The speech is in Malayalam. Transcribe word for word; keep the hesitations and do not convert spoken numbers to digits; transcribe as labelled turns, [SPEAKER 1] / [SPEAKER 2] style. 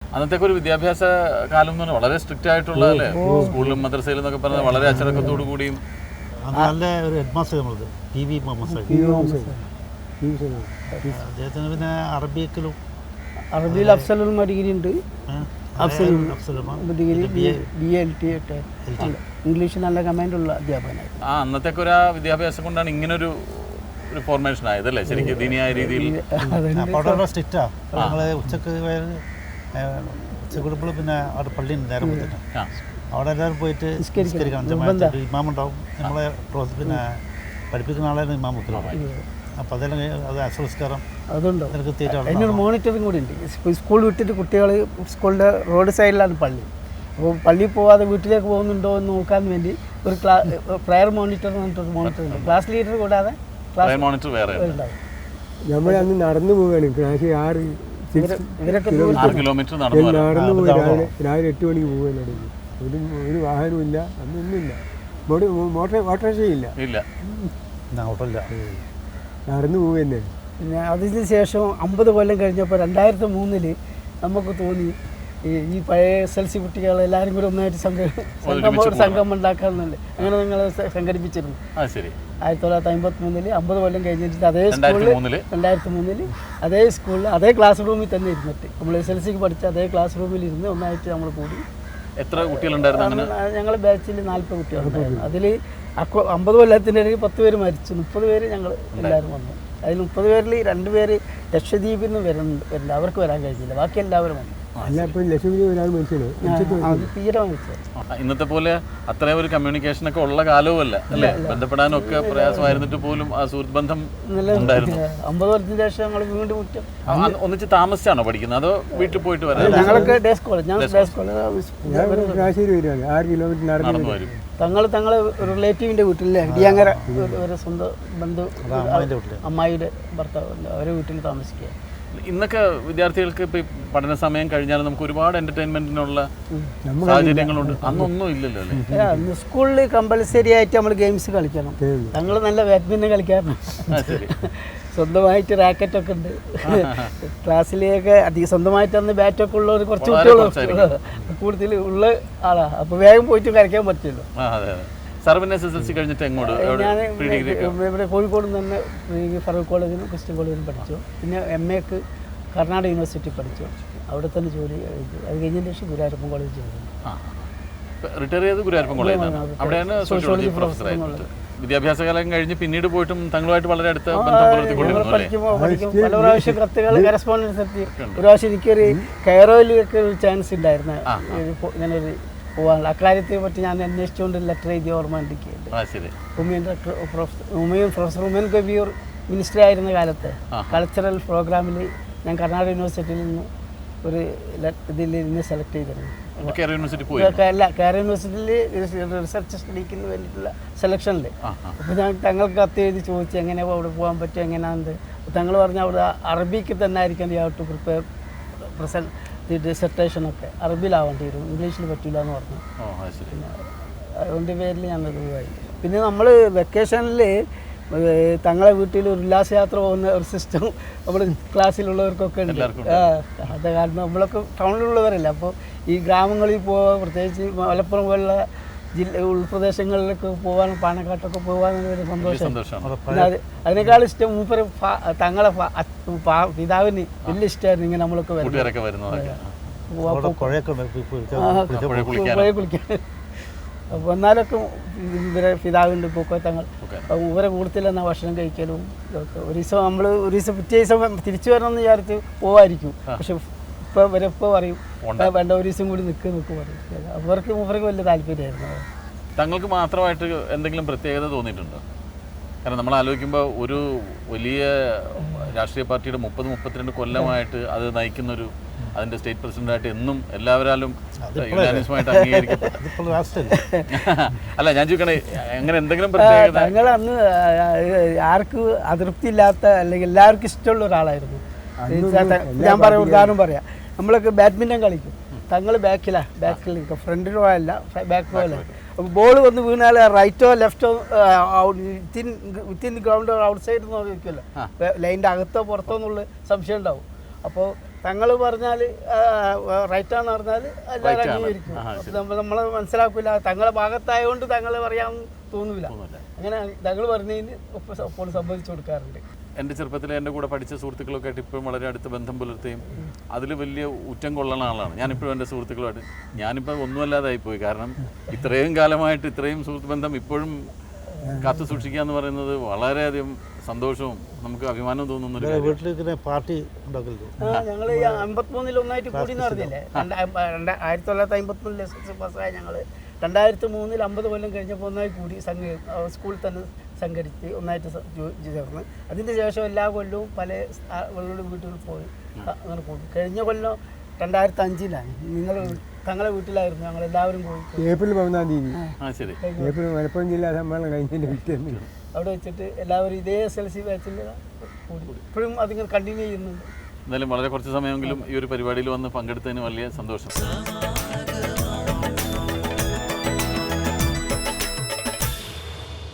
[SPEAKER 1] അന്നത്തേക്ക് ഒരു വിദ്യാഭ്യാസ കാലം എന്ന് പറഞ്ഞാൽ വളരെ സ്ട്രിക്റ്റ് ആയിട്ടുള്ള അല്ലേ, സ്കൂളിലും മദ്രസയിലും എന്നൊക്കെ പറഞ്ഞാൽ വളരെ അച്ചടക്കത്തോടു കൂടിയും.
[SPEAKER 2] നല്ല ഒരു ഹെഡ് മാസ്റ്റർ നമ്മളത് പി വി മുഹമ്മദ് അദ്ദേഹത്തിന് പിന്നെ അറബിക്കിലും
[SPEAKER 3] അറബിയിൽ അഫ്സലും ഡിഗ്രി ഉണ്ട്, ഡിഗ്രി ബി എൽ ടി ഒക്കെ ഇംഗ്ലീഷ് നല്ല കമാൻഡുള്ള അധ്യാപകനായി.
[SPEAKER 1] ആ അന്നത്തേക്ക് ഒരു വിദ്യാഭ്യാസം കൊണ്ടാണ് ഇങ്ങനൊരു ഒരു ഫോർമേഷൻ ആയതല്ലേ ശരിക്കും ദീനിയായ രീതിയിൽ.
[SPEAKER 2] സ്ട്രിക്റ്റാ നമ്മള് ഉച്ചക്ക് ഉച്ചക്കൊടുപ്പോൾ പിന്നെ അവിടെ പള്ളി നേരം പോയിട്ട് അവിടെ എല്ലാവരും പോയിട്ട് നിസ്കരിക്കണം. ഇമാമുണ്ടാവും, നമ്മളെ പിന്നെ പഠിപ്പിക്കുന്ന ആളായിരുന്നു ഇമാം ഉത്തരവാദി. അപ്പോൾ അതെല്ലാം അത് അസംസ്കാരം
[SPEAKER 3] അതുണ്ടോ അതിനൊരു മോണിറ്ററിങ് കൂടി ഉണ്ട്. സ്കൂൾ വിട്ടിട്ട് കുട്ടികൾ സ്കൂളിൻ്റെ റോഡ് സൈഡിലാണ് പള്ളി. അപ്പോൾ പള്ളിയിൽ പോവാതെ വീട്ടിലേക്ക് പോകുന്നുണ്ടോ എന്ന് നോക്കാൻ വേണ്ടി ഒരു ക്ലാ പ്രയർ മോണിറ്റർ എന്ന് പറഞ്ഞിട്ടൊരു മോണിറ്റർ ഉണ്ട്. ക്ലാസ് ലീഡർ കൂടാതെ ക്ലാസ്
[SPEAKER 1] മോണിറ്റർ വേറെ
[SPEAKER 3] ഉണ്ടാവും.
[SPEAKER 4] നമ്മൾ അന്ന് നടന്നു പോവുകയാണ് ക്ലാസ് ആറ്
[SPEAKER 3] ഇവരൊക്കെ
[SPEAKER 1] കിലോമീറ്റർ
[SPEAKER 4] നടന്നു പോയി രാവിലെ രാവിലെ എട്ട് മണിക്ക് പോകാൻ ഒരു ഒരു വാഹനവും ഇല്ല, അന്നൊന്നുമില്ല. മോട്ടോർ ഓട്ടോറിക്ഷയില്ല,
[SPEAKER 2] ഓട്ടോയില്ല,
[SPEAKER 4] നടന്നു പോവുക തന്നെ.
[SPEAKER 3] പിന്നെ അതിന് ശേഷം അമ്പത് കൊല്ലം കഴിഞ്ഞപ്പോൾ രണ്ടായിരത്തി മൂന്നില് നമുക്ക് തോന്നി ഈ ഈ പഴയ എസ് എൽ സി കുട്ടികൾ എല്ലാവരും കൂടി ഒന്നായിട്ട് സംഘം സംഘം ഒരു സംഘം ഉണ്ടാക്കാറുണ്ട്. അങ്ങനെ നിങ്ങൾ സംഘടിപ്പിച്ചിരുന്നു ആയിരത്തി തൊള്ളായിരത്തി അമ്പത്തി മൂന്നില് അമ്പത് കൊല്ലം കഴിഞ്ഞിട്ട് അതേ സ്കൂളിൽ രണ്ടായിരത്തി മൂന്നില് അതേ സ്കൂളിൽ അതേ ക്ലാസ് റൂമിൽ തന്നെ ഇരുന്നിട്ട് നമ്മൾ എസ് എൽ സിക്ക് പഠിച്ച അതേ ക്ലാസ് റൂമിൽ ഇരുന്ന് ഒന്നായിട്ട് നമ്മൾ കൂടി.
[SPEAKER 1] എത്ര കുട്ടികളുണ്ടായിരുന്നു?
[SPEAKER 3] ഞങ്ങൾ ബാച്ചിൽ നാൽപ്പത് കുട്ടികളുണ്ടായിരുന്നു. അതിൽ അക്കോ അമ്പത് കൊല്ലത്തിൻ്റെ ഇടയിൽ പത്ത് പേര് മരിച്ചു, മുപ്പത് പേര് ഞങ്ങൾ എല്ലാവരും വന്നു. അതിൽ മുപ്പത് പേരിൽ രണ്ട് പേര് ലക്ഷദ്വീപിൽ നിന്ന് വരുന്നുണ്ട് വരുന്നുണ്ട് അവർക്ക് വരാൻ കഴിഞ്ഞില്ല, ബാക്കി എല്ലാവരും വന്നു.
[SPEAKER 1] ഇന്നത്തെ പോലെ അത്രയും ഒരു കമ്മ്യൂണിക്കേഷൻ ഒക്കെ ഉള്ള കാലവും അല്ല അല്ലേ, ബന്ധപ്പെടാനൊക്കെ പ്രയാസമായിരുന്നിട്ട് പോലും ആ സുഹൃത്ത് ബന്ധം ഉണ്ടായിരുന്നു.
[SPEAKER 3] അമ്പത് വർഷത്തിന് ശേഷം ഞങ്ങൾ വീണ്ടും മുറ്റം
[SPEAKER 1] ഒന്നിച്ച് താമസിച്ചാണോ പഠിക്കുന്നത് അതോ വീട്ടിൽ പോയിട്ട് വരാം?
[SPEAKER 3] ഞങ്ങളൊക്കെ ഡേസ് കോളേജ് ഞാൻ ഡേസ് കോളേജ്
[SPEAKER 1] നടന്നു വരും.
[SPEAKER 3] തങ്ങൾ തങ്ങളെ റിലേറ്റീവിൻ്റെ വീട്ടിലെ ഇടിയങ്ങര ഒരു സ്വന്തം ബന്ധു അമ്മായിയുടെ ഭർത്താവ് അവരെ വീട്ടിൽ താമസിക്കുക.
[SPEAKER 1] ഇന്നൊക്കെ വിദ്യാർത്ഥികൾക്ക് ഇപ്പൊ പഠന സമയം കഴിഞ്ഞാൽ നമുക്ക് ഒരുപാട് എന്റർടൈൻമെന്റിനുള്ള സാഹചര്യങ്ങളുണ്ട്, അന്നൊന്നും ഇല്ലല്ലോ അല്ലേ?
[SPEAKER 3] സ്കൂളിൽ കമ്പൽസറി ആയിട്ട് നമ്മൾ ഗെയിംസ് കളിക്കണം. ഞങ്ങൾ നല്ല ബാഡ്മിൻ്റൺ കളിക്കാറുണ്ട്, സ്വന്തമായിട്ട് റാക്കറ്റൊക്കെ ഉണ്ട് ക്ലാസ്സിലേക്ക്. അധികം സ്വന്തമായിട്ട് അന്ന് ബാറ്റൊക്കെ ഉള്ളവർ കുറച്ച് കുട്ടികൾ കൂടുതൽ ഉള്ള ആളാണ്. അപ്പോൾ വേഗം പോയിട്ട് കളിക്കാൻ പറ്റില്ലല്ലോ. ഞാൻ ഇവിടെ കോഴിക്കോട് തന്നെ ഫറൂഖ് കോളേജിലും ക്രിസ്ത്യൻ കോളേജിലും പഠിച്ചു. പിന്നെ എം എക്ക് കർണാടക യൂണിവേഴ്സിറ്റി പഠിച്ചു, അവിടെ തന്നെ ജോലി കഴിഞ്ഞു. അത് കഴിഞ്ഞതിന് ശേഷം ഗുരുവായൂരപ്പൻ കോളേജ് ജോലി
[SPEAKER 1] റിട്ടയർ ചെയ്ത് ഗുരുവായൂരപ്പൻ കോളേജിലാണ്, അവിടെയാണ് സോഷ്യോളജി പ്രൊഫസറായിട്ട്. വിദ്യാഭ്യാസ കാലം കഴിഞ്ഞ് പിന്നീട് പോയിട്ടും തങ്ങളുമായിട്ട് വളരെ അടുത്ത ബന്ധം പുലർത്തിക്കൊണ്ടിരുന്നു.
[SPEAKER 3] പഠിക്കുമ്പോൾ പഠിക്കും പല പ്രാവശ്യം കത്തുകൾ കറസ്പോണ്ടൻസ് എത്തി. ഒരു പ്രാവശ്യം എനിക്കൊരു കെയറോയിലൊക്കെ ഒരു ചാൻസ് ഉണ്ടായിരുന്നു ഇങ്ങനെ ഒരു പോകാനുള്ള. അക്കാര്യത്തെ പറ്റി ഞാൻ അന്വേഷിച്ചുകൊണ്ട് ലെറ്റർ എഴുതി ഓർമ്മ ഉണ്ടിക്കുന്നുണ്ട്. ഉമയൻ ഉമയൻ പ്രൊഫസർ ഉമയൻ കബീർ മിനിസ്റ്റർ ആയിരുന്ന കാലത്ത് കൾച്ചറൽ പ്രോഗ്രാമിൽ ഞാൻ കർണാടക യൂണിവേഴ്സിറ്റിയിൽ നിന്ന് ഒരു ഇതിൽ നിന്ന് സെലക്ട് ചെയ്തിരുന്നു. അല്ല കേരള യൂണിവേഴ്സിറ്റിയിൽ റിസർച്ച് സ്റ്റഡിക്ക് വേണ്ടിയിട്ടുള്ള സെലക്ഷനിൽ. അപ്പോൾ ഞാൻ തങ്ങൾക്ക് കത്ത് എഴുതി ചോദിച്ചു എങ്ങനെ അവിടെ പോകാൻ പറ്റും, എങ്ങനെയാണെന്ന്. തങ്ങൾ പറഞ്ഞാൽ അവിടെ അറബിക്ക് തന്നെ ആയിരിക്കും you have to prepare present ഡിസർട്ടേഷനൊക്കെ അറബിയിലാവേണ്ടി വരും, ഇംഗ്ലീഷിൽ പറ്റില്ല എന്ന് പറഞ്ഞു. പിന്നെ അതുകൊണ്ട് പേരിൽ ഞാനത് പോയി. പിന്നെ നമ്മൾ വെക്കേഷനിൽ തങ്ങളെ വീട്ടിൽ ഒരു ഉല്ലാസയാത്ര പോകുന്ന ഒരു സിസ്റ്റം നമ്മൾ ക്ലാസ്സിലുള്ളവർക്കൊക്കെ ഉണ്ട്. അത് കാരണം നമ്മളൊക്കെ ടൗണിലുള്ളവരല്ല. അപ്പോൾ ഈ ഗ്രാമങ്ങളിൽ പോകാൻ, പ്രത്യേകിച്ച് മലപ്പുറം പോലുള്ള ജില്ല ഉൾപ്രദേശങ്ങളിലൊക്കെ പോകാനും പാണക്കാട്ടൊക്കെ പോകാനൊരു സന്തോഷം. അത് അതിനേക്കാൾ ഇഷ്ടം മൂപ്പര് തങ്ങളെ പിതാവിന് വലിയ ഇഷ്ടമായിരുന്നു ഇങ്ങനെ നമ്മളൊക്കെ പുഴ കുളിക്കാൻ. അപ്പോൾ എന്നാലൊക്കെ ഇവരെ പിതാവിൻ്റെ പൂക്കോത്തങ്ങൾ ഇവരെ കൂടുതൽ എന്നാൽ ഭക്ഷണം കഴിക്കലും ഇതൊക്കെ. ഒരു ദിവസം നമ്മൾ ഒരു ദിവസം പിറ്റേ ദിവസം തിരിച്ചു വരണമെന്ന് വിചാരിച്ച് പോവായിരിക്കും. പക്ഷെ ഇപ്പോൾ ഇവരെ ഇപ്പോൾ പറയും വേണ്ട ഒരു ദിവസം കൂടി നിൽക്കുക നിൽക്കുക പറയും. അവർക്ക് അവർക്ക് വലിയ താല്പര്യമായിരുന്നു.
[SPEAKER 1] തങ്ങൾക്ക് മാത്രമായിട്ട് എന്തെങ്കിലും പ്രത്യേകത തോന്നിയിട്ടുണ്ടോ? കാരണം നമ്മൾ ആലോചിക്കുമ്പോൾ ഒരു വലിയ രാഷ്ട്രീയ പാർട്ടിയുടെ മുപ്പത് മുപ്പത്തിരണ്ട് കൊല്ലമായിട്ട് അത് നയിക്കുന്നൊരു അതിൻ്റെ സ്റ്റേറ്റ് പ്രസിഡന്റായിട്ട് എന്നും എല്ലാവരാലും യുനാനിമസായിട്ട് അംഗീകരിക്കപ്പെട്ട അല്ല ഞാൻ ചോദിക്കണേ അങ്ങനെ എന്തെങ്കിലും പ്രത്യേകത?
[SPEAKER 3] തങ്ങൾ അന്ന് ആർക്കും അതൃപ്തിയില്ലാത്ത അല്ലെങ്കിൽ എല്ലാവർക്കും ഇഷ്ടമുള്ള ഒരാളായിരുന്നു. ഞാൻ പറയാം ഉദാഹരണം പറയാം, നമ്മളൊക്കെ ബാഡ്മിൻ്റൺ കളിക്കും, തങ്ങൾ ബാക്കിലാണ് ബാക്കിൽ നിൽക്കും, ഫ്രണ്ടിലോ അല്ല ബാക്ക് പോയല്ല. അപ്പോൾ ബോൾ വന്ന് വീണാൽ റൈറ്റോ ലെഫ്റ്റോ വിത്തിൻ വിത്തിൻ ഗ്രൗണ്ടോ ഔട്ട് സൈഡ് നോക്കിയല്ലോ, ലൈൻ്റെ അകത്തോ പുറത്തോ എന്നുള്ള സംശയം ഉണ്ടാവും. അപ്പോൾ തങ്ങൾ പറഞ്ഞാൽ റൈറ്റാന്ന് പറഞ്ഞാൽ എല്ലാവരും അംഗീകരിക്കും. അപ്പം നമ്മൾ നമ്മളെ മനസ്സിലാക്കില്ല, തങ്ങളെ ഭാഗത്തായതുകൊണ്ട് തങ്ങൾ പറയാൻ തോന്നൂല. അങ്ങനെ തങ്ങൾ പറഞ്ഞതിന് ഒപ്പം ഒപ്പം സംബന്ധിച്ചു കൊടുക്കാറുണ്ട്.
[SPEAKER 1] എൻ്റെ ചെറുപ്പത്തിൽ എൻ്റെ കൂടെ പഠിച്ച സുഹൃത്തുക്കളൊക്കെ ആയിട്ട് ഇപ്പോഴും വളരെ അടുത്ത് ബന്ധം പുലർത്തുകയും അതിൽ വലിയ ഊറ്റം കൊള്ളുന്ന ആളാണ് ഞാനിപ്പോഴും എൻ്റെ സുഹൃത്തുക്കളുമായിട്ട്. ഞാനിപ്പോൾ ഒന്നുമല്ലാതായിപ്പോയി. കാരണം ഇത്രയും കാലമായിട്ട് ഇത്രയും സുഹൃത്ത് ബന്ധം ഇപ്പോഴും കാത്തു സൂക്ഷിക്കുക എന്ന് പറയുന്നത് വളരെയധികം സന്തോഷവും നമുക്ക് അഭിമാനവും തോന്നുന്ന ഒരു
[SPEAKER 2] വീട്ടിൽ പാർട്ടി ഉണ്ടാക്കരുത്.
[SPEAKER 3] ഞങ്ങൾ അമ്പത്തിമൂന്നിൽ ഒന്നായിട്ട് കൂടി എന്ന് പറഞ്ഞില്ലേ, ആയിരത്തി തൊള്ളായിരത്തി അമ്പത്തിമൂന്നിൽ എസ് എസ് എൽ സി പാസ്സായ ഞങ്ങൾ രണ്ടായിരത്തി മൂന്നിൽ അമ്പത് കൊല്ലം കഴിഞ്ഞപ്പോൾ ഒന്നായി കൂടി സംഘ സ്കൂളിൽ തന്നെ സംഘടിച്ച് ഒന്നായിട്ട് ചേർന്ന് അതിന് ശേഷം എല്ലാ കൊല്ലവും പല ആളുകളുടെ വീട്ടിൽ പോയി അങ്ങനെ പോകും. കഴിഞ്ഞ കൊല്ലം രണ്ടായിരത്തി അഞ്ചിലാണ് നിങ്ങൾ തങ്ങളെ വീട്ടിലായിരുന്നു ഞങ്ങൾ എല്ലാവരും പോയി.
[SPEAKER 4] ഏപ്രിൽ പതിനാം തീയതി
[SPEAKER 1] ആ ശരി
[SPEAKER 4] ഏപ്രിൽ മലപ്പുറം ജില്ലാ സമ്മേളനം കഴിഞ്ഞതിൻ്റെ പിറ്റേന്ന്
[SPEAKER 3] അവിടെ വെച്ചിട്ട് എല്ലാവരും ഇതേ എസ് എൽ സി ബാച്ചിൽ കൂടി ഇപ്പോഴും അതിങ്ങനെ കണ്ടിന്യൂ ചെയ്യുന്നുണ്ട്.
[SPEAKER 1] എന്തായാലും വളരെ കുറച്ച് സമയമെങ്കിലും ഈ ഒരു പരിപാടിയിൽ വന്ന് പങ്കെടുത്തതിന് വലിയ സന്തോഷം.